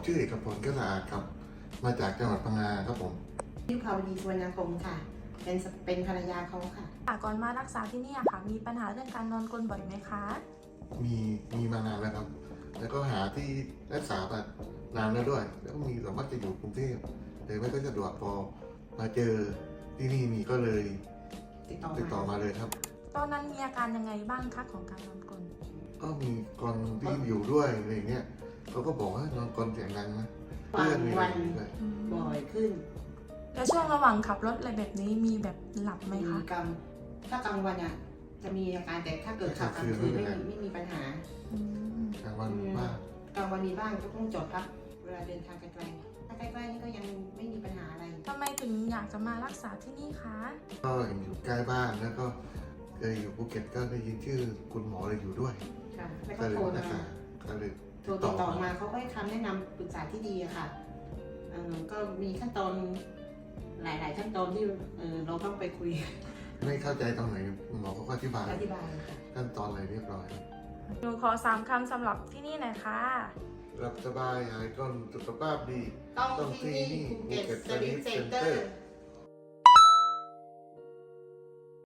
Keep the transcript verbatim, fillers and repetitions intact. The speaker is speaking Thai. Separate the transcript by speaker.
Speaker 1: ชื่อเอกพลก็สะอาดครับมาจากจังหวัดพังงาครับผม
Speaker 2: ยุพาวดีสุวรรณคมค่ะ เป็นเป็นภรรยาเขาค่ะ
Speaker 3: ก่อนมารักษาที่นี่ค่ะมีปัญหาเรื่องการนอนกรนบ่อยไหมคะ
Speaker 1: มีมีมานานแล้วครับ แล้วก็หาที่รักษาแบบนานแล้วด้วย แล้วก็มีสามารถจะอยู่กรุงเทพเลยไม่ก็สะดวกพอมาเจอที่นี่มีก็เลย
Speaker 2: ติดต่อ
Speaker 1: ติดต่อ
Speaker 2: มา
Speaker 1: มาเลยครับ
Speaker 3: ตอนนั้นมีอาการยังไงบ้างคะของการนอนกรน
Speaker 1: ก็มีคนที่อยู่ด้วยอะไรอย่างเงี้ยเขาก็บอกว่านอนกรนเสียงดังนะ
Speaker 2: วัน
Speaker 1: มี
Speaker 2: วัน
Speaker 1: อะไรด้วย
Speaker 2: บ่อยขึ้น
Speaker 3: แล้วช่วงระหว่างขับรถอะไรแบบนี้มีแบบหลับไหม
Speaker 2: มี
Speaker 3: คะ
Speaker 2: กลางถ้ากลางวันอ่ะจะมีอาการแต่ถ้าเกิดขับกลางคืนไม่มีไม่มีปัญหา
Speaker 3: อืม
Speaker 1: กลางวันมาก
Speaker 2: กลางวันมีบ้างก็ต้องจอดพักเวลาเดินทางไกลๆถ้าใกล้ๆนี่ก็ยังไม่มีปัญหาอะไร
Speaker 3: ทำไมถึงอยากจะมารักษาที่นี่คะ
Speaker 1: ก็อยู่ใกล้บ้านแล้วก็เคยอยู่ภูเก็ตก็ได้ยินชื่อคุณหมอเลยอยู่ด้วย
Speaker 2: ค่ะแล้ว
Speaker 1: ก็
Speaker 2: ก็
Speaker 1: เลย
Speaker 2: โทร
Speaker 1: รัก
Speaker 2: มา
Speaker 1: ษาก็เลย
Speaker 2: โทรติดต่อมาเขาก็ให้คำแนะนำปรึกษาที่ดีอะค่ะเอ่อก็มีขั้นตอนหลาย ๆ ขั้นตอนที่เอ่อเราต้องไปคุย
Speaker 1: ไม่เข้าใจตรงไหนคุณหมอเขาก็อธิบาย
Speaker 2: อธิบายค่ะ
Speaker 1: ขั้นตอนอะไรเรียบร้อย
Speaker 3: หนูขอสามคำสำหรับที่นี่หน่อยค่ะ
Speaker 1: หลับสบายหายก้นสุขภาพดี
Speaker 2: ต้องที่นี่ภูเก็ตสลิปเซ็นเตอร์